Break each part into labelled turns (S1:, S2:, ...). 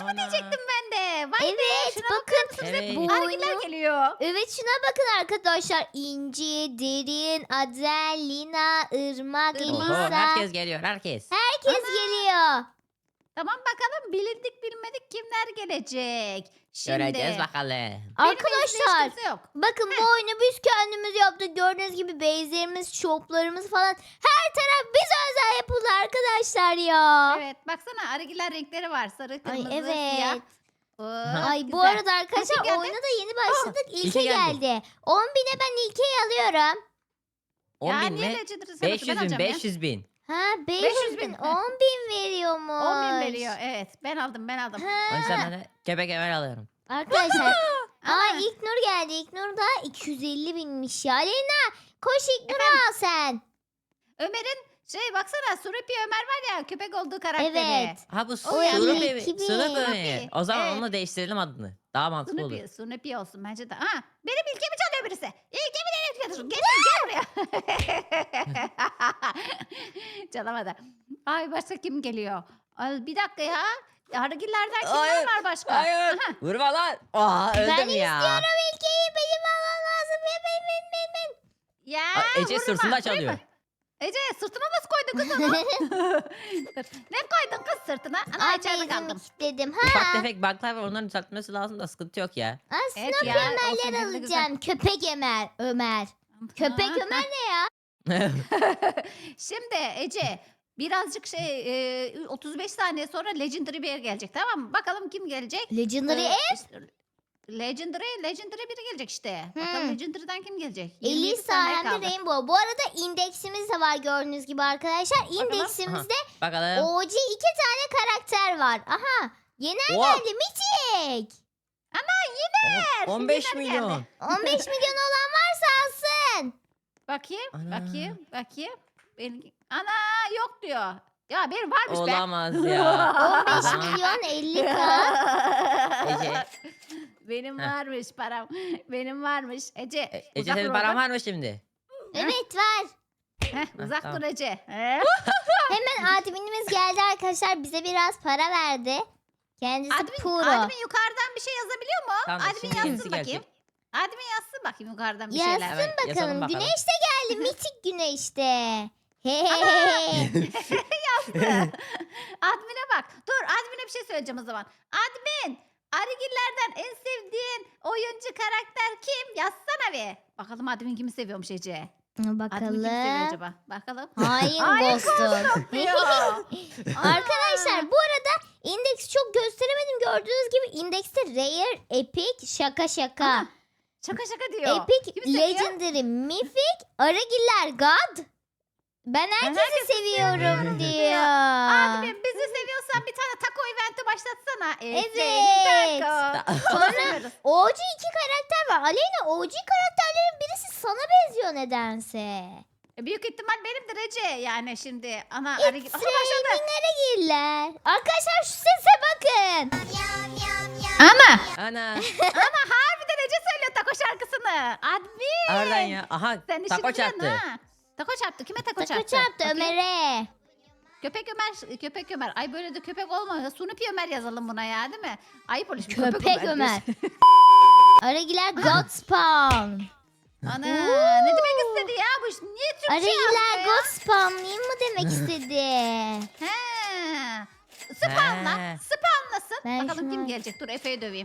S1: mı
S2: Ana.
S1: diyecektim ben de. Vay be,
S3: Evet
S1: şuna
S3: bakın.
S1: bakar mısınız?
S2: Evet.
S1: Hep
S3: Bu
S1: argiler
S3: oyunu.
S1: geliyor.
S3: Evet şuna bakın arkadaşlar. İnci, Derin, Adel, Lina, Irmak,
S1: Irmak.
S2: Oho,
S3: Elisa.
S2: herkes geliyor herkes.
S3: Herkes geliyor.
S1: Tamam bakalım, bilindik bilmedik kimler gelecek. Şimdi
S2: Göreceğiz bakalım.
S1: benim
S3: Arkadaşlar
S1: elimde hiç kimse yok.
S3: bakın bu oyunu biz kendimiz yaptık. Gördüğünüz gibi base'lerimiz, shoplarımız falan. Her taraf bize özel yapıldı arkadaşlar ya.
S1: Evet, baksana argiler renkleri var. Sarı,
S3: Ay
S1: kırmızı,
S3: evet.
S1: siyah. Oo,
S3: Ay bu
S1: güzel.
S3: arada arkadaşlar
S1: geldi?
S3: oyuna da yeni başladık. İlke
S2: İlke geldi.
S3: geldi. 10.000'e ben İlke'yi alıyorum.
S2: 10
S1: Ya
S2: bin
S1: niye
S2: mi?
S1: Legendary'si bakın, ben
S2: 500 bin,
S1: alacağım ya.
S2: 500 bin.
S3: Ha
S1: 500
S3: 500
S1: bin.
S3: bin 10.000 veriyormuş.
S1: 10.000 veriyor. Evet, ben aldım.
S2: O yüzden
S3: Ha,
S2: ben de köpek emel alıyorum.
S3: arkadaşlar.
S1: Ama
S3: Aa İlknur geldi. İlknur da 250 binmiş ya. Lena koş İlknur'u al sen.
S1: Ömer'in baksana, Surupi Ömer var ya, köpek olduğu karakteri.
S3: Evet.
S2: Ha bu
S1: O yani
S2: Surupi.
S3: 2000.
S2: Surupi. O zaman
S1: Evet.
S2: onu değiştirelim adını. Daha mantıklı olur.
S1: Sunupi olsun bence de. Ha, benim ilkemi çalıyor birisi. İlkemi nereye götürün? Gel buraya. Çalamadı. Ay, başka kim geliyor? Ay, bir dakika ya. Hargillerden kimler
S2: Hayır,
S1: var başka?
S2: Hayır.
S1: Aha.
S2: Vurma lan. Aa, öldüm
S3: Ben
S2: ya.
S3: istiyorum İlke'yi. Benim almam lazım.
S1: Ya
S2: Aa, Ece
S1: vurma.
S2: sırtında
S1: Vurayım
S2: çalıyor.
S1: mı? Ece sırtına nasıl koydun kız onu? Dur. Ne koydun kız sırtına? Ana
S3: Aa
S1: içeride
S3: bezimi
S1: kaldım.
S3: kilitledim.
S2: Ufak
S3: Ha.
S2: tefek bug'lar var, onların düzeltmesi lazım da sıkıntı yok ya.
S3: Aslında
S1: Evet ya, olsun,
S3: Ömerler
S1: hem de güzel.
S3: alacağım. Köpek Ömer. Köpek
S1: Ha,
S3: Ömer ne ya?
S1: Şimdi Ece birazcık 35 saniye sonra Legendary bir yer gelecek, tamam mı? Bakalım kim gelecek?
S3: Legendary
S1: işte, Legendary biri gelecek işte.
S3: Hmm.
S1: Bakalım Legendary'den kim gelecek? 27
S3: Elisa
S1: saniye
S3: hem de
S1: kaldı.
S3: Rainbow. Bu arada indeksimiz de var gördüğünüz gibi arkadaşlar. İndeksimizde
S2: Bakalım.
S3: OG 2 tane karakter var. Aha. Yener
S2: Oha.
S3: geldi. Mitik.
S2: 15
S1: Yener
S2: milyon.
S1: geldi.
S3: 15 milyon olan varsa alsın.
S1: Bakayım,
S2: Ana.
S1: bakayım. Ana yok diyor. Ya benim varmış be.
S2: Olamaz ya.
S3: 15
S2: Tamam.
S3: milyon 50k.
S2: Ece.
S1: Benim
S2: Heh.
S1: varmış param. Benim varmış. Ece.
S2: Ece
S1: uzak
S2: senin
S1: dur
S2: paran
S1: oradan.
S2: var mı şimdi?
S3: Evet var.
S1: Uzak
S2: tamam.
S1: dur Ece.
S3: Hemen adminimiz geldi arkadaşlar. Bize biraz para verdi. Kendisi pro.
S1: Admin yukarıdan bir şey yazabiliyor mu?
S2: Tamam,
S1: Admin
S2: şimdi
S1: yazsın
S2: yenisi
S1: bakayım.
S2: gelecek.
S1: Admin yazsın bakayım yukarıdan bir
S3: Yazsın
S1: şeyler.
S2: Evet, yazalım
S3: bakalım.
S2: bakalım.
S3: Güneş de geldi. Mitik güneşte. Hehehe.
S1: Admin'e bak. Dur, Admin'e bir şey söyleyeceğim o zaman. Admin, Arigillerden en sevdiğin oyuncu karakter kim? Yazsana bir. Bakalım Admin kimi seviyormuş Ece. Admin kimi seviyor
S3: Bakalım.
S1: acaba? Bakalım.
S3: Hain
S1: Hain
S3: Ghost'um.
S1: Diyor.
S3: Arkadaşlar bu arada indeksi çok gösteremedim. Gördüğünüz gibi indekste rare, epic, şaka şaka.
S1: Aha, şaka diyor.
S3: Epic,
S1: Kimi seviyor?
S3: legendary, mythic, aragiller, god. Ben herkesi seviyorum diyor.
S1: Admin, bizi seviyorsan bir tane taco eventi başlatsana.
S3: Evet.
S1: Taco.
S3: Sonra
S1: Seviyoruz.
S3: OG 2 karakter var. Aleyna OG karakterlerin birisi sana benziyor nedense.
S1: Büyük ihtimal benimdir Ece. Yani şimdi ana
S3: It's
S1: Arigil. Aha, başladı.
S3: Nereye Arkadaşlar şu sese bakın.
S1: Ana.
S2: Ana.
S1: Harbiden Ece söylüyor taco şarkısını. Admin.
S2: Oradan ya. Aha
S1: Sen işini
S2: tako
S1: biliyorsun
S2: çarptı.
S1: ha. Taco çarptı. Kime taco
S3: Takı
S1: çarptı?
S3: çarptı
S1: Bakayım.
S3: Ömer'e.
S1: Köpek Ömer. Ay böyle de köpek olmuyor. Sunupi Ömer yazalım buna ya, değil mi? Ayıp olur şimdi.
S3: Köpek Ömer.
S1: diyorsun.
S3: Aragiler God Spawn.
S1: Ana ne demek istedi ya bu iş? Niye Türkçe
S3: Aragiler
S1: yazdı
S3: God Spawn'layım mı demek istedi.
S1: He. Spawnla.
S2: He.
S1: Spawnlasın.
S3: Ben
S1: Bakalım
S3: şunu-
S1: kim gelecek. Dur Efe'yi döveyim.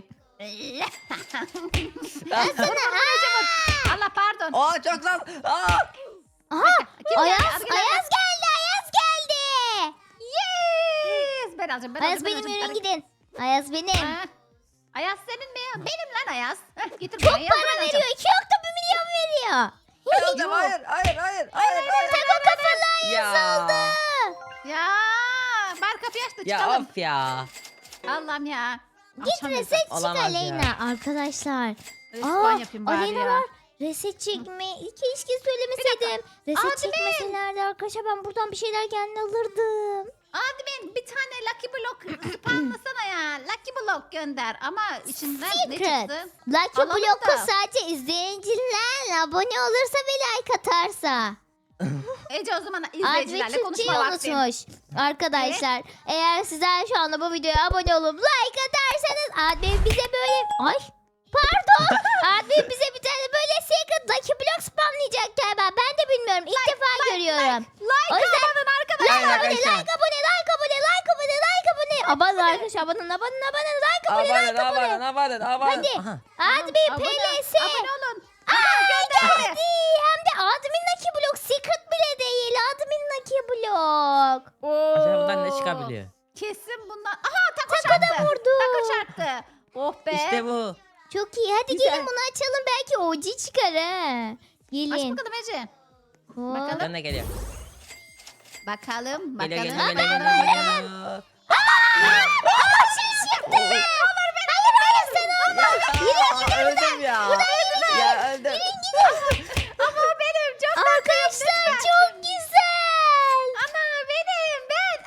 S3: Sana
S1: Allah pardon.
S2: Aa çok zor. Aa.
S3: Aha
S1: Kim
S3: Ayaz,
S1: geldi? Argiler
S3: Ayaz geldi. Ayaz geldi.
S1: Yes. Ben alacağım.
S3: Ayaz benim yürüyün gidin. Ayaz benim.
S1: Ha. Ayaz senin mi? Benim lan Ayaz. Heh, getir
S3: Çok
S1: buraya. Ayaz,
S3: para
S1: ben
S3: veriyor.
S1: alacağım.
S3: 2.1 milyon veriyor.
S2: Ben alacağım. Hayır.
S3: Taco kafalı Ayaz
S2: Ya.
S3: oldu.
S1: Ya. Bar kapıyı açtı.
S2: Ya
S1: Çıkalım.
S2: of ya.
S1: Allah'ım ya.
S3: Git
S1: Açamıyorum.
S3: reset çık
S2: Olamaz ya.
S3: Aleyna. Arkadaşlar.
S1: Respawn yapayım bari
S3: Aleyna
S1: ya.
S3: var. Reset çekme. Keşke söylemeseydim. Reset
S1: Admin.
S3: çekmeselerdi arkadaşlar ben buradan bir şeyler kendi alırdım.
S1: Admin bir tane Lucky Block spamlasana ya. Lucky Block gönder ama içinden ne
S3: Secret.
S1: çıktı?
S3: Lucky
S1: Alalım
S3: Block'u
S1: da.
S3: sadece izleyiciler abone olursa ve like atarsa.
S1: Ece o zaman
S3: Admin
S1: izleyicilerle
S3: Türkçeyi
S1: konuşma vakti.
S3: unutmuş. Arkadaşlar eğer sizler şu anda bu videoya abone olup like atarsanız Admin bize böyle... Ay pardon. Admin bize bir tane böyle secret Lucky Block spamlayacak galiba. Ben de bilmiyorum. İlk defa görüyorum.
S1: Like
S3: O yüzden-
S1: abone arkadaşlar.
S3: Like abone,
S2: arkadaşlar.
S3: like abone, like abone, like abone, like abone. Abone arkadaşlar, abone, like abone, like abone. Hadi.
S2: Aha.
S3: Admin
S1: Abone-
S3: PLS.
S1: Abone olun.
S3: Geldi. Hem de admin Lucky Block. Secret bile değil. Admin Lucky Block.
S2: Acaba bundan ne çıkabiliyor?
S1: Kesin bundan. Aha taco
S3: Taco da
S1: çarptı.
S3: vurdu.
S1: Taco çarptı. Oh be.
S2: İşte bu.
S3: Çok iyi. Hadi
S1: Güzel.
S3: gelin bunu açalım. Belki OG çıkar ha.
S1: Aç
S3: Gelin.
S1: bakalım Ece.
S3: Hop.
S1: Bakalım.
S2: Buradan ne geliyor?
S1: Bakalım.
S2: Geliyor
S1: Bakalım.
S2: geliyor geliyor geliyor. Öldüm ya. Ya öldüm.
S1: Ama o benim. Çok
S3: Arkadaşlar çok güzel.
S1: Ana benim. Ben.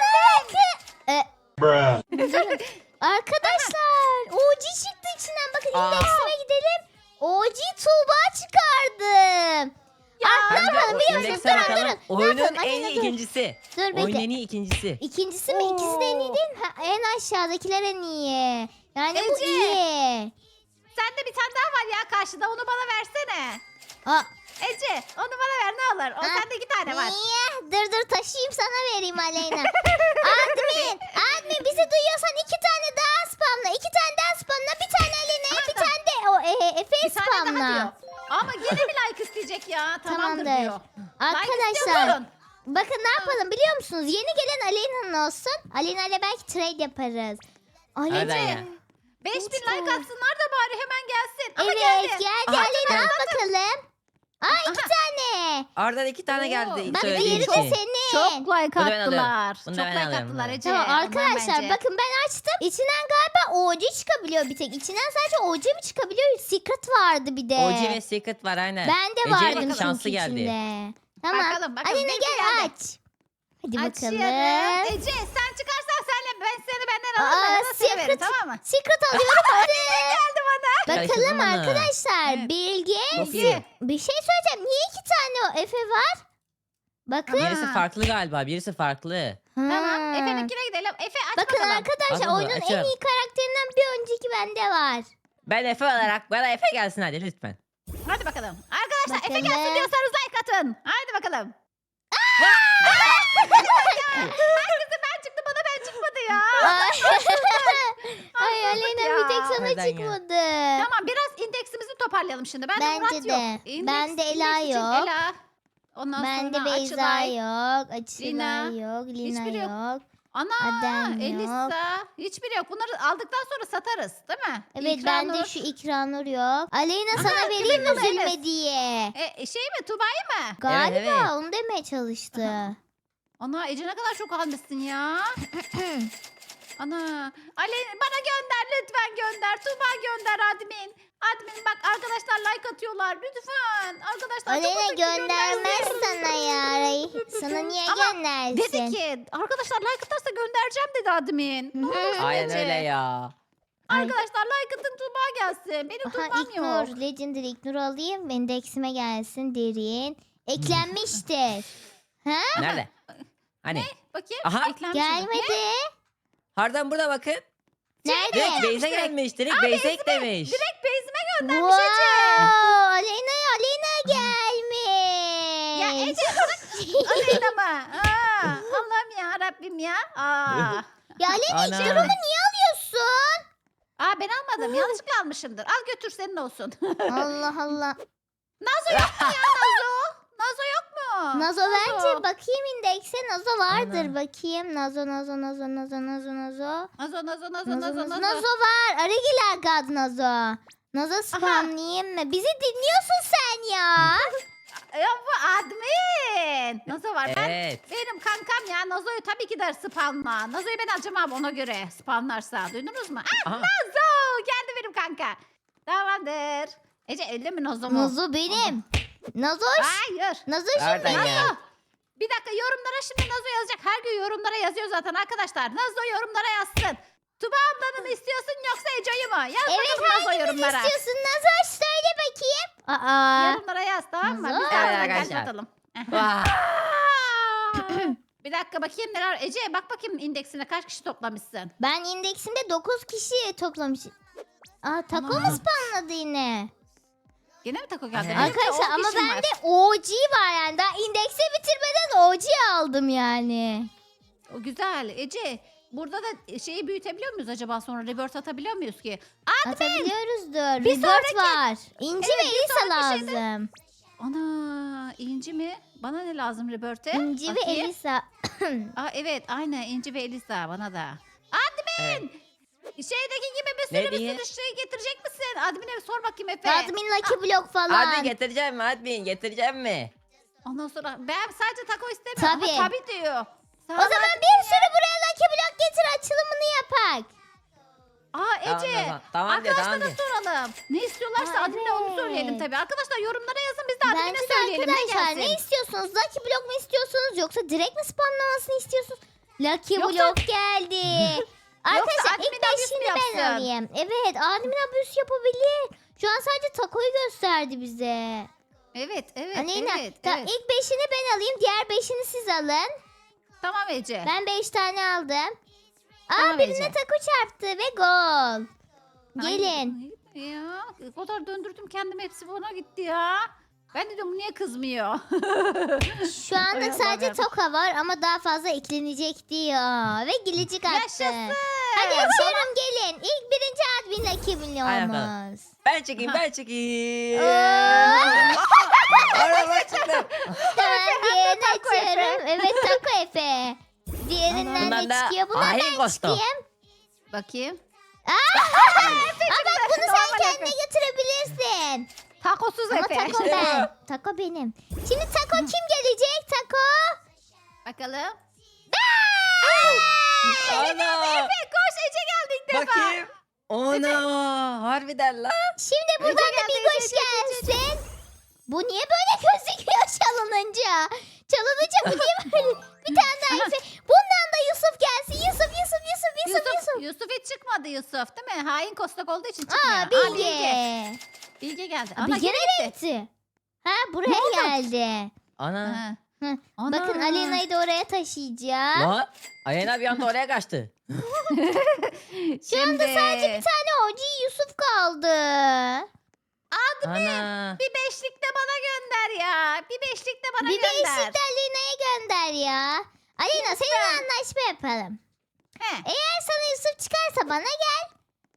S3: Durun. Arkadaşlar OG çıktı içinden. Bakın
S2: Aa.
S3: indeksime gidelim. OG Tuğba çıkardım. Ne
S2: Hem de
S3: yapalım
S2: o
S3: biliyor musunuz?
S2: indekse bakalım.
S3: Ne
S2: Oyunun
S3: yapalım?
S2: en
S3: Aleyna,
S2: iyi
S3: dur.
S2: ikincisi.
S3: Dur
S2: Oyunun
S3: bekle.
S2: en iyi ikincisi.
S3: İkincisi mi? İkisi de en iyi değil mi? Ha, en aşağıdakiler en iyi. Yani bu
S1: Ece.
S3: iyi.
S1: Sende bir tane daha var ya karşıda. Onu bana versene.
S3: Aa,
S1: Ece onu bana ver ne olur. O
S3: Ha.
S1: sende 2 tane var.
S3: niye? Dur taşıyayım sana vereyim Aleyna. Admin bizi duyuyorsan 2 tane daha spamla. 2 tane daha spamla. Bir tane Aleyna'ya bir tane de o Efe'ye
S1: Bir tane daha
S3: spamla.
S1: diyor. Ama yine bir like isteyecek ya. Tamamdır,
S3: Tamamdır.
S1: diyor.
S3: Arkadaşlar
S1: istiyorsun.
S3: bakın ne yapalım biliyor musunuz? Yeni gelen Aleyna'nın olsun. Aleyna ile belki trade yaparız.
S2: Hadi
S3: Aleyna.
S2: ya.
S1: 5000
S3: Let's
S1: like
S3: go.
S1: atsınlar da bari hemen gelsin. Ama
S3: Evet
S1: geldi.
S3: geldi.
S2: Aha,
S3: Aleyna al
S2: geldi.
S3: bakalım. Aa 2 tane.
S2: Oradan 2 tane geldi.
S3: Bak
S2: söylediğin
S3: diğeri de
S2: için.
S3: senin.
S1: Çok like
S2: Bunu ben alıyorum.
S1: attılar.
S2: Bunu
S1: Çok
S2: ben
S1: like
S2: alıyorum,
S1: attılar
S2: bunu.
S1: Ece.
S3: Tamam
S1: Ondan
S3: arkadaşlar
S1: bence.
S3: bakın ben açtım. İçinden galiba OG çıkabiliyor bir tek. İçinden sadece OG mi çıkabiliyor? Secret vardı bir de.
S2: OG ve Secret var aynen.
S3: Bende
S2: Ece'nin
S3: vardı çünkü
S2: şansı geldi.
S3: içinde. Tamam.
S1: Bakalım,
S3: Aleyna
S1: benimki
S3: gel
S1: geldi.
S3: aç. Hadi
S1: Açıyorum.
S3: bakalım.
S1: Ece sen çıkarsan senle ben seni benden
S3: Aa,
S1: alırım. Ben de seni
S3: secret.
S1: veririm tamam mı?
S3: Secret alıyorum hadi.
S1: Geldi bana.
S3: Bakalım
S2: Karıştırdım onu.
S3: arkadaşlar.
S1: Evet.
S3: Bilge.
S2: Çok iyi.
S3: Bir şey söyleyeceğim. Niye 2 tane o Efe var? Bakın.
S2: Birisi farklı galiba. Birisi farklı.
S1: Tamam.
S3: Ha.
S1: Efe'ninkine gidelim. Efe aç
S3: Bakın
S1: bakalım.
S3: arkadaşlar
S2: Al bunu,
S3: oyunun en
S2: açıyorum.
S3: iyi karakterinden bir önceki bende var.
S2: Ben Efe olarak bana Efe gelsin hadi lütfen.
S1: Hadi bakalım. Arkadaşlar Efe
S3: Bakalım.
S1: gelsin diyorsanız like atın. Hadi bakalım. Herkese ben çıktı bana ben çıkmadı ya.
S3: Ay Aleyna bir tek sana
S2: Neden ya?
S3: çıkmadı.
S1: Tamam biraz indeksimizi toparlayalım şimdi. Bende Murat
S3: Bence
S1: yok.
S3: de.
S1: İndeks-
S3: Bende Ela
S1: indeks için
S3: yok.
S1: Ela. Ondan
S3: Bende
S1: sonra
S3: Beyza
S1: Açılay.
S3: yok. Açılay
S1: Lina.
S3: yok. Lina
S1: Hiçbiri yok.
S3: yok.
S1: Ana
S3: Adem yok.
S1: Elisa. Hiçbiri yok. Bunları aldıktan sonra satarız değil mi?
S3: Evet
S1: İkranur.
S3: bende şu İkranur yok. Aleyna
S1: Aha,
S3: sana vereyim
S1: Kıvırcık
S3: üzülme
S1: Enes.
S3: diye.
S1: Şey mi Tuba'yı mı?
S3: Galiba
S2: evet.
S3: onu demeye çalıştı.
S1: Ana Ece ne kadar çok almışsın ya. Ana. Ali bana gönder lütfen gönder. Tuba gönder admin. Admin bak arkadaşlar like atıyorlar. Lütfen. Arkadaşlar
S3: Aleyna
S1: çok uzun
S3: göndermez
S1: göndersin.
S3: sana ya. Sana niye
S1: Ama
S3: göndersin?
S1: Dedi ki arkadaşlar like atarsa göndereceğim dedi admin. Ne olursun
S2: Aynen
S1: Ece.
S2: öyle ya.
S1: Arkadaşlar like atın Tuba gelsin. Benim
S3: Aha
S1: Tuba'm yok.
S3: İknur. Legendary İknur alayım. Indeksime gelsin derin. Eklenmiştir. Ha?
S2: Nerede? Hani?
S1: Bakayım.
S2: Aha.
S1: eklenmiş mi? Ne?
S3: Gelmedi.
S2: Hardan burada bakın.
S3: Nerede?
S2: Direkt Beyza gelmiş. Direkt Beyza eklemiş.
S1: Direkt base'ime
S3: Wow.
S1: göndermiş Ece.
S3: Aleyna gelmiş.
S1: Ya Ece bırak Aleyna mı? Allah'ım ya Rabbim ya.
S3: Ya Aleyna
S2: Ana.
S3: İknur'umu niye alıyorsun?
S1: Ben almadım. Yanlışlıkla almışımdır. Al götür senin olsun.
S3: Allah Allah.
S1: Nazo yok mu ya Nazo? Nazo yok mu?
S3: Nazo bence bakayım indekse. Nazo vardır
S2: Ana.
S3: bakayım. Nazo.
S1: Nazo
S3: Nazo var. Arıgiler gad Nazo. Nazo spamlayayım mı? Bizi dinliyorsun sen ya.
S1: Ya bu admin. Nazo var.
S2: Evet.
S1: Benim kankam ya. Nazo'yu tabii ki de spamla. Nazo'yu ben acımam ona göre spamlarsa. Duydunuz mu?
S2: Aha.
S1: Nazo. Geldi benim kanka. Tamamdır. Ece öyle mi Nazo mu?
S3: Nazo benim. Nazoş.
S1: Hayır.
S3: Nazo
S2: Nereden
S3: şimdi.
S2: ya?
S1: Nazo. Bir dakika yorumlara şimdi Nazo yazacak. Her gün yorumlara yazıyor zaten arkadaşlar. Nazo yorumlara yazsın. Tuba ablanı mı istiyorsun yoksa Ece'yi mi? Yaz
S3: Evet
S1: bakalım Nazo
S3: hangimiz
S1: yorumlara.
S3: istiyorsun? Nazoş söyle bakayım. Aa.
S1: Yorumlara yaz tamam mı?
S3: Nazo.
S1: Biz de
S2: Evet
S1: Nazo'ya
S2: arkadaşlar.
S1: atalım.
S2: Vah.
S1: Bir dakika bakayım neler var. Ece bak bakayım indeksine kaç kişi toplamışsın.
S3: Ben indeksimde 9 kişi toplamışım. Aa taco mu
S1: Aman.
S3: spamladı yine?
S1: Gene mi tako geldi?
S2: Evet.
S1: Benim de
S3: Arkadaşlar
S1: 10
S3: ama
S1: kişim var.
S3: bende OG var yani. Daha indeksi bitirmeden OG aldım yani.
S1: O güzel. Ece burada da şeyi büyütebiliyor muyuz acaba, sonra rebirth atabiliyor muyuz ki?
S3: Atabiliyoruzdur.
S1: Bir
S3: Rebirth
S1: sonraki-
S3: var. İnci
S1: Evet,
S3: ve
S1: bir
S3: Elisa
S1: sonraki şeyde-
S3: lazım.
S1: Ana inci mi? Bana ne lazım rebirth'e?
S3: İnci ve
S1: Bakayım.
S3: Elisa.
S1: Aa, evet aynen inci ve Elisa bana da.
S2: Evet.
S1: Şeydeki gibi bir
S2: Ne
S1: sürü bir
S2: diye?
S1: sürü şey getirecek misin? Admin'e sor bakayım Efe.
S3: Admin Lucky Block falan.
S2: Admin getireceğim mi? Admin getireceğim mi?
S1: Ondan sonra ben sadece taco istemiyorum.
S3: Tabii.
S1: Ama tabii diyor.
S3: O zaman bir sürü buraya Lucky Block getir, açılımını yapak.
S1: Aa Ece.
S2: Tamam diyor,
S1: Arkadaşlara
S2: tamam diyor.
S1: soralım. Ne istiyorlarsa
S3: Aa,
S1: admin'e onu
S3: evet.
S1: söyleyelim tabii. Arkadaşlar yorumlara yazın, biz de admin'e
S3: Bence de
S1: söyleyelim.
S3: arkadaşlar
S1: ne
S3: ne
S1: gelsin?
S3: istiyorsunuz? Lucky Block mu istiyorsunuz yoksa direkt mi spamlamasını istiyorsunuz? Lucky
S1: Yoksa-
S3: Block geldi. Arkadaşlar
S1: admin
S3: ilk
S1: abuse
S3: beşini
S1: mi
S3: ben
S1: yapsın?
S3: alayım. Evet, admin abuse yapabilir. Şu an sadece takoyu gösterdi bize.
S1: Evet evet
S3: Aleyna,
S1: evet. evet.
S3: ilk 5'ini ben alayım, diğer 5'ini siz alın.
S1: Tamam Ece.
S3: Ben 5 tane aldım. Aa,
S1: Tamam
S3: birine
S1: Ece.
S3: taco çarptı ve gol. Gelin.
S1: Ay, ya o kadar döndürdüm kendimi, hepsi bana gitti ya. Ben de diyorum bu niye kızmıyor?
S3: Şu
S1: Ay,
S3: anlık
S1: Allah
S3: sadece
S1: vermesin.
S3: toka var ama daha fazla eklenecek diyor. Ve gilicik attı.
S1: Yaşasın.
S3: Hadi açalım gelin. İlk birinci admin
S2: Hadi
S3: milyonumuz.
S2: bakalım. Ben çekeyim, ben çekeyim.
S3: Oo.
S2: Araba çıktı.
S3: Hemen diğerini
S1: taco Efe.
S3: açıyorum. Evet taco Efe. Diğerinden
S2: Bundan
S3: ne
S2: da
S3: çıkıyor? Bundan
S2: ahenk
S3: ben
S2: kostu.
S3: çıkayım.
S1: Bakayım.
S3: Aa bak bunu sen
S1: Normal
S3: kendine
S1: Efe.
S3: götürebilirsin.
S1: Takosuz
S3: Ama
S1: Efe.
S3: taco
S2: İşte
S3: ben. Taco benim. Şimdi taco kim gelecek? Taco.
S1: Bakalım.
S2: Ana.
S1: Efe koş, Ece geldi ilk defa.
S2: Bakayım. Ana. Harbiden lan.
S3: Şimdi buradan da
S1: geldi,
S3: bir koş
S1: Ece, Ece,
S3: gelsin. Bu niye böyle gözüküyor çalınınca? Çalınınca bu niye böyle? Bir tane daha Efe. Bundan da Yusuf gelsin. Yusuf.
S1: Yusuf hiç çıkmadı Yusuf değil mi? Hain kostak olduğu için çıkmıyor.
S3: Aa Bilge.
S1: Bilge geldi.
S3: Aa,
S1: Ana
S3: Bilge
S1: gene
S3: nereye
S1: gitti.
S3: gitti? Ha buraya geldi.
S2: Ana.
S1: Ha.
S3: Hı.
S1: Ana.
S3: Bakın Alena'yı da oraya taşıyacağım.
S2: Lan. Aleyna bir anda oraya kaçtı.
S3: Şu anda sadece bir tane OG Yusuf kaldı.
S2: Ana.
S1: Bir beşlik de bana gönder ya. Bir beşlik de bana
S3: Bir
S1: gönder.
S3: beşlik de Alena'ya gönder ya. Alena seninle anlaşma yapalım.
S1: He.
S3: Eğer sana Yusuf çıkarsa bana gel.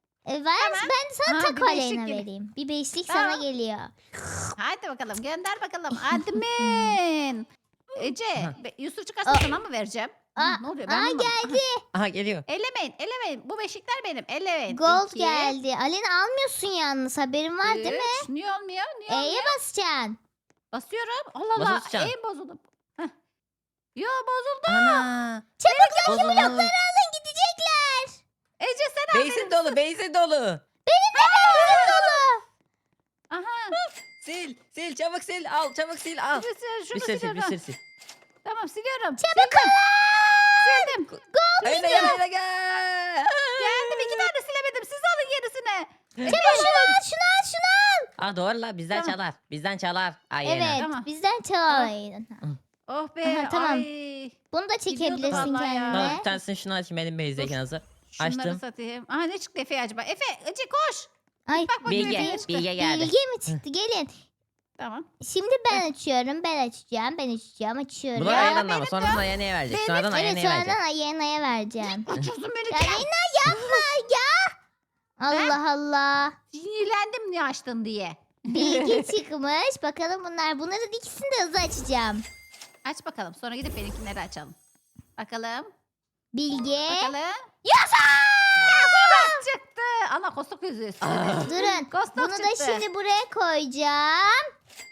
S3: Ben sana
S1: Ha,
S3: taco
S1: bir beşlik
S3: Alena
S1: gibi.
S3: vereyim. Bir beşlik
S1: Tamam.
S3: sana geliyor.
S1: Hadi bakalım gönder bakalım. Admin. Ece Yusuf çıkarsa sana mı vereceğim?
S3: Aa,
S1: Ne oluyor?
S3: aa
S1: anlamadım.
S3: geldi.
S2: Aha geliyor.
S1: Ellemeyin. Bu beşlikler benim. Ellemeyin.
S3: Gold
S1: 2,
S3: geldi. Alena almıyorsun yalnız, haberin var değil mi?
S1: 3. Niye olmuyor? Niye olmuyor?
S3: E'ye basacaksın.
S1: Basıyorum. Allah Allah.
S2: Basılı tutacaksın.
S1: En bozuldu. Heh. Yo bozuldu.
S2: Ana.
S3: Çabuk Lucky
S2: Bozuldu.
S3: blokları alın, gidecekler.
S1: Ece sen al
S2: Beysin dolu, beysin dolu.
S3: Bizim dolu.
S1: Aha.
S2: Sil çabuk sil. Al çabuk sil al.
S1: Şunu
S2: Bir sil sil,
S1: siliyorum.
S2: bir sil sil.
S1: Tamam siliyorum.
S3: Çabuk ol.
S1: Sildim.
S2: Aleyna gel, gel.
S1: Geldim, 2 tane silemedim. Siz alın yenisini.
S3: Çabuk şunu al.
S2: Aa doğru la, bizden
S1: Tamam.
S2: çalar. Bizden çalar. Aleyna.
S3: Evet,
S1: Tamam.
S3: bizden çalamayın.
S1: Oh be.
S3: Aha, tamam.
S1: Ay.
S3: Bunu da çekebilirsin
S1: Gidiyordum vallahi ya.
S2: Tamam,
S3: kendine.
S2: bir tanesini şunu açayım, benim beyizdeyken hazır.
S1: Şunları
S2: Açtım.
S1: satayım. Aha ne çıktı Efe acaba? Efe Ece koş.
S3: Ay,
S1: Bak bakayım
S2: Bilge,
S1: Efe'ye çıktı.
S2: Bilge geldi.
S3: Bilge mi çıktı? Gelin.
S1: Tamam.
S3: Şimdi ben açıyorum. Ben açıyorum.
S2: Bunu
S1: Ya,
S2: Alena'dan ama
S1: benim
S2: sonradan Alena'ya verecek.
S1: benim-
S2: Sonradan
S3: Evet,
S2: Alena'ya verecek.
S3: sonradan Ayena'ya vereceğim.
S1: Uçursun beni.
S3: Alena yapma ya. Allah Allah.
S1: Sinirlendim niye açtın diye.
S3: Bilgi çıkmış. Bakalım bunların ikisini de hızlı açacağım.
S1: Aç bakalım. Sonra gidip benimkileri açalım. Bakalım.
S3: Bilge.
S1: Bakalım.
S3: Yasa!
S1: Kostok çıktı. Ana kostok yüzü üstüne.
S3: Durun.
S1: Kostok
S3: Bunu da
S1: çıktı.
S3: şimdi buraya koyacağım.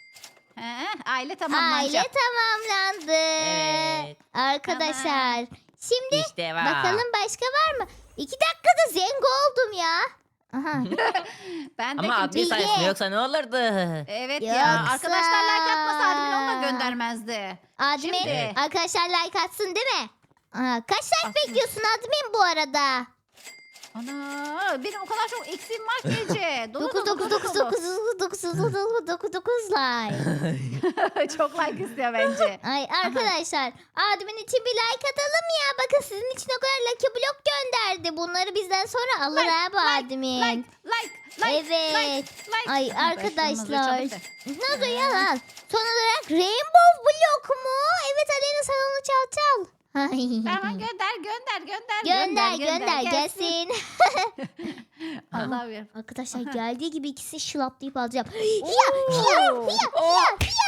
S1: Aile tamamlanacak.
S3: Aile tamamlandı.
S2: Evet.
S3: Arkadaşlar. Şimdi
S2: İşte var.
S3: bakalım başka var mı? 2 dakikada zengo oldum ya. Aha.
S1: Ben de
S2: Ama admin
S3: Bilge.
S2: sayesinde, yoksa ne olurdu?
S1: Evet ya.
S3: Yoksa-
S1: Arkadaşlar like atmasa admin onu da göndermezdi.
S3: Admin.
S1: Şimdi.
S3: Arkadaşlar like atsın değil mi? Kaç like
S1: Atsın.
S3: bekliyorsun admin bu arada?
S1: Ana benim o kadar çok eksiğim var ki Ece. Dolu
S3: 9
S1: dolu,
S3: 9
S1: dolu
S3: 9
S1: dolu.
S3: 9 9 like.
S1: Çok like istiyor bence.
S3: Ay arkadaşlar admin için bir like atalım ya. Bakın sizin için o kadar lucky block gönderdi. Bunları bizden sonra alır
S1: Like,
S3: ha bu admin.
S1: Like.
S3: Evet.
S1: Like.
S3: Ay
S1: Ben
S3: arkadaşlar.
S1: şunu çabuk
S3: Nasıl yalan? Son olarak Rainbow Block mu? Evet Aleyna sen onu çal çal.
S1: Tamam gönder.
S3: Gönder gelsin.
S1: Allah'ım ya.
S3: Arkadaşlar geldiği gibi ikisi şılaplayıp alacağım.
S1: Oo.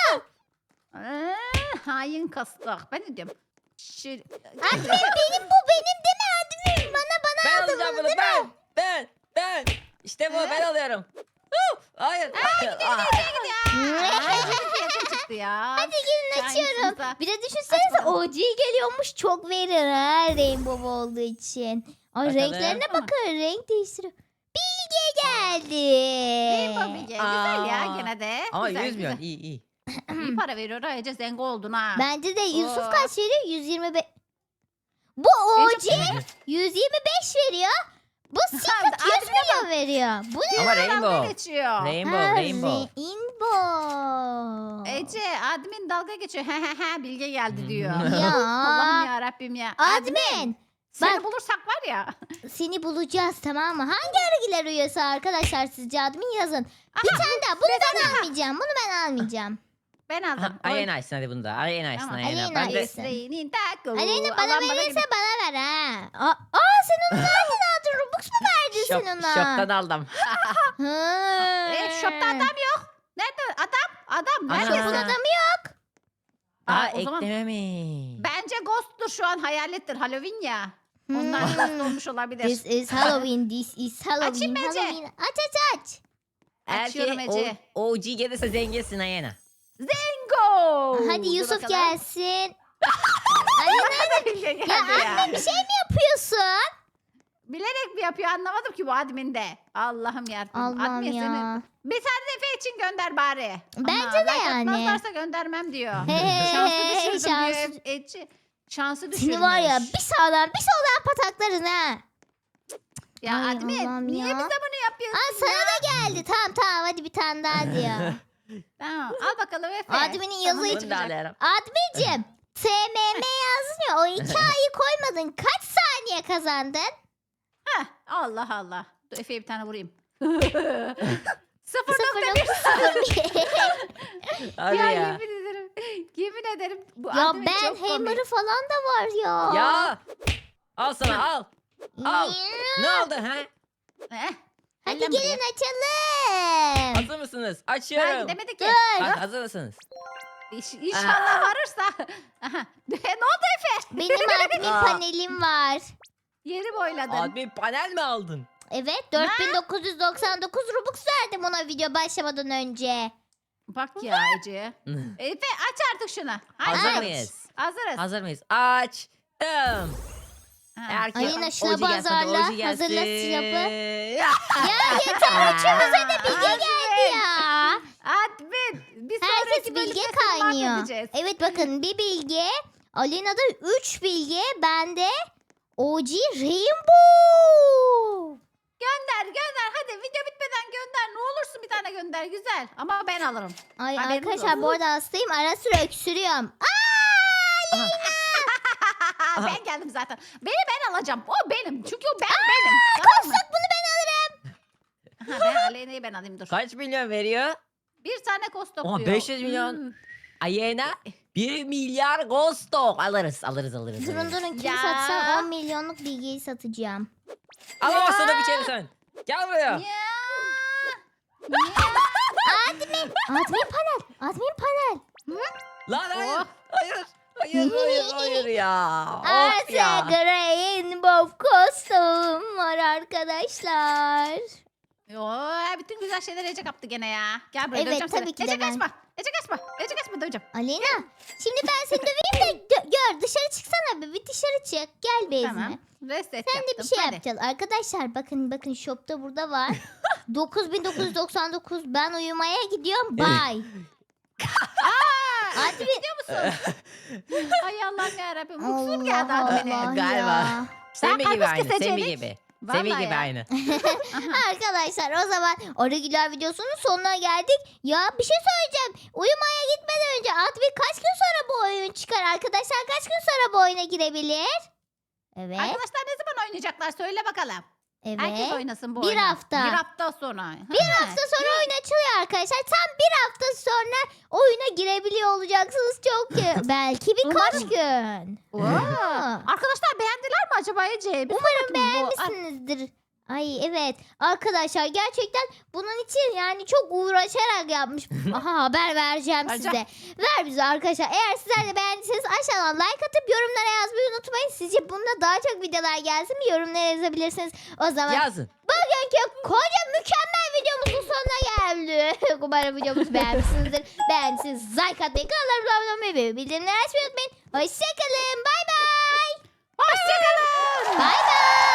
S1: Hain kastak. Ben de diyorum.
S3: Benim bu benim değil mi admin? Bana
S2: Ben
S3: aldın
S2: alacağım
S3: bunu
S2: bunu
S3: değil mi?
S2: ben. İşte bu ben alıyorum. Hayır.
S1: Fiyatı çıktı ya.
S3: Hadi gelin açıyorum.
S1: Şansınıza.
S3: Bir de düşünsenize
S1: Aç bakalım.
S3: OG geliyormuş çok verir ha Rainbow olduğu için. Ay
S2: Bakalım.
S3: renklerine
S1: Tamam.
S3: bakın renk değiştiriyor. Bilge geldi.
S1: Rainbow Bilge. Güzel ya
S2: Aa.
S1: gene de.
S2: Ama
S1: Güzel,
S2: 100 milyon
S1: güzel.
S2: iyi.
S1: İyi para veriyor ha Ece zengin oldun ha.
S3: Bence de Yusuf
S1: Oo.
S3: kaç veriyor? 125. Bu OG 125 veriyor. Bu Secret 100 milyon veriyor. Bu ne?
S2: Ama
S1: Dalga
S2: Rainbow.
S1: geçiyor.
S2: Rainbow.
S3: Rainbow.
S1: Admin dalga geçiyor. He Bilge geldi diyor.
S3: Ya.
S1: Allah'ım ya Rabbim ya.
S3: Admin.
S1: Seni
S3: bak.
S1: bulursak var ya.
S3: Seni bulacağız tamam mı? Hangi örgüler üyesi arkadaşlar sizce admin yazın. Bir
S1: Aha,
S3: tane daha. Bunu ben almayacağım. Bunu ben almayacağım.
S1: Ben aldım.
S2: Aleyna açsın hadi bunu da. Aleyna açsın
S1: Tamam,
S2: Aleyna.
S3: Aleyna
S2: Ben de
S3: açsın.
S1: Esre'nin taco.
S3: Aleyna bana
S1: Allah'ım
S3: verirse bana ver ha. Sen onu nereden aldın? Robux mu verdin
S2: şok,
S3: sen ona?
S2: şoktan aldım.
S3: Ha.
S1: Shop'ta adam yok. Nerede? Adam.
S2: Ana.
S1: Nerede?
S3: Shop'un adamı yok.
S2: Aa
S1: o zaman
S2: eklememiş.
S1: bence Ghost'tur şu an hayalettir. Halloween ya. Onlar
S3: Hmm.
S1: Ghost olmuş olabilir.
S3: This is Halloween. This is Halloween.
S1: Açayım mı Ece?
S3: Halloween. Aç.
S1: Açıyorum Ece.
S2: OG gelirse zenginsin Aleyna.
S1: Bingo.
S3: Hadi
S1: Dur
S3: Yusuf
S1: bakalım.
S3: gelsin. Aleyna
S1: Bilge geldi
S3: ya
S1: ya.
S3: anne bir şey mi yapıyorsun?
S1: Bilerek mi yapıyor anlamadım ki bu adminde. Allah'ım yarabbim.
S3: Allah'ım
S1: Admin
S3: ya.
S1: seni bir tane Efe için gönder bari.
S3: Bence
S1: Ama
S3: de
S1: like
S3: yani.
S1: atmazlarsa göndermem diyor.
S3: Hey,
S1: Şansı düşürdüm
S3: şansı-
S1: diyor Ece. Şansı düşürmüş.
S3: Seni var ya bir sağdan bir soldan pataklarız ha.
S1: Ya
S3: Ay
S1: admin
S3: Allah'ım
S1: niye
S3: ya.
S1: bize bunu yapıyorsun
S3: Aa sana da geldi. Tamam hadi bir tane daha diyor.
S1: Tamam al bakalım Efe.
S3: Admin'in yazı
S1: Sana ne
S3: hiç-
S2: Bunu da
S1: çıkacak?
S2: alıyorum.
S3: Admicim TMM yazdın ya o 2 ayı koymadın. Kaç saniye kazandın?
S1: Heh, Allah Allah. Dur Efe'ye bir tane vurayım. 0.1
S2: Hadi
S1: ya,
S2: ya.
S1: yemin ederim. Yemin ederim. Bu
S3: Ya
S1: admin
S3: ben
S1: çok komik.
S3: hammer'ı falan da var ya.
S2: Ya. Al sana al. al. Ne oldu ha?
S1: Eh,
S3: Hadi
S1: ellem
S3: gelin açalım.
S2: Hazır mısınız?
S1: Ben
S2: Açıyorum.
S1: gidemedik ki.
S3: Dur.
S2: Bak hazır mısınız?
S1: İnşallah varırsa. Aha. Ne oldu Efe?
S3: Benim admin
S2: Aa.
S3: panelim var.
S1: Yeri boyladın.
S2: Admin panel mi aldın?
S3: Evet 4999 Robux verdim ona video başlamadan önce.
S1: Bak ya Ece. Efe aç artık şunu. Aç.
S2: Hazır
S3: Aç.
S2: mıyız?
S1: Hazırız.
S2: Hazır mıyız? Açtım.
S1: Ha.
S2: Eğer ki
S3: Aleyna, şuna
S2: OG gelse,
S3: bazarla.
S2: OG gelsin.
S3: Hazırla silahı.
S2: Ya.
S3: Ya yeter üçümüze de bilge geldi ya.
S1: Admin. Bir
S3: Herkes
S1: sonraki
S3: bilge
S1: bölümde seni
S3: kaynıyor.
S1: mahvedeceğiz.
S3: Evet bakın bir bilge. Alena'da 3 bilge. Bende OG Rainbow.
S1: Gönder. Hadi video bitmeden gönder. Ne olursun bir tane gönder. Güzel. Ama ben alırım.
S3: Ay
S1: Haberiniz
S3: arkadaşlar
S1: olsun.
S3: bu arada hastayım. Ara sıra öksürüyorum.
S1: Ben geldim zaten. Ben alacağım. O benim. Çünkü o benim. Tamam mı?
S3: Kostok bunu ben alırım.
S1: Ha, ben Aleyna'yı ben alayım dur.
S2: Kaç milyon veriyor?
S1: Bir tane kostok
S2: Oha,
S1: diyor.
S2: 500 milyon. Aleyna 1 milyar Ghost Dog. Alırız.
S3: Durun kim
S1: Ya.
S3: satsa 10 milyonluk bilgiyi satacağım.
S2: Alamazsın da biçerim sen. Gel buraya.
S1: Ya.
S3: Admin panel.
S2: Lan hayır.
S1: Oh.
S2: Hayır ya. Of
S3: Artık
S2: ya.
S3: Rainbow kostüm var arkadaşlar.
S1: Yo, bütün güzel şeyler Ece kaptı gene ya. Gel buraya
S3: Evet,
S1: döveceğim
S3: tabii
S1: seni.
S3: ki de
S1: Ece
S3: ben.
S1: kaçma. Ece kaçma döveceğim.
S3: Alena şimdi ben seni döveyim de gör dışarı çıksana bir dışarı çık gel bezme.
S1: Tamam. Reset
S3: Sen de
S1: yaptım.
S3: bir şey
S1: Hadi.
S3: yapacağız. Arkadaşlar bakın shopta burada var. 9999 ben uyumaya gidiyorum. Bye.
S1: Hadi gidiyor musun? Ay Allah'ım yarabbim. Mutsuz geldi
S3: Allah
S1: admine.
S3: Allah
S2: Galiba.
S3: ya.
S2: Semih gibi
S1: karpuz
S2: aynı. Semih
S1: keseceğini-
S2: gibi. Sevi
S1: Vallahi
S2: gibi
S1: ya.
S2: aynı.
S1: Aha.
S3: Arkadaşlar o zaman Arıgiler videosunun sonuna geldik. Ya bir şey söyleyeceğim. Uyumaya gitmeden önce Admin kaç gün sonra bu oyun çıkar? Arkadaşlar kaç gün sonra bu oyuna girebilir? Evet.
S1: Arkadaşlar ne zaman oynayacaklar? Söyle bakalım.
S3: Evet.
S1: Herkes oynasın bu
S3: Bir
S1: oyunu.
S3: hafta.
S1: Bir hafta sonra.
S3: Bir hafta sonra oyun açılıyor arkadaşlar. Tam bir hafta sonra oyuna girebiliyor olacaksınız çok belki birkaç
S1: Umarım.
S3: gün.
S1: Oo.
S3: Aa.
S1: Arkadaşlar beğendiler mi acaba Ece? Bir sor
S3: Umarım
S1: bakayım bu-
S3: beğenmişsinizdir. Ay evet arkadaşlar gerçekten bunun için yani çok uğraşarak yapmış. Aha haber vereceğim
S1: Vereceğim.
S3: size. Ver bize arkadaşlar. Eğer sizler de beğendiyseniz aşağıdan like atıp yorumlara yazmayı unutmayın. Sizce bunda daha çok videolar gelsin mi? Yorumlara yazabilirsiniz. O zaman
S2: Yazın.
S3: bugünkü koca mükemmel videomuzun sonuna geldik. Umarım videomuzu beğenmişsinizdir. Beğendiyseniz like atmayı, kanallarımıza abone olmayı ve bildirimleri açmayı unutmayın. Hoşçakalın. Bay bay.
S1: Hoşçakalın.
S3: Bay bay.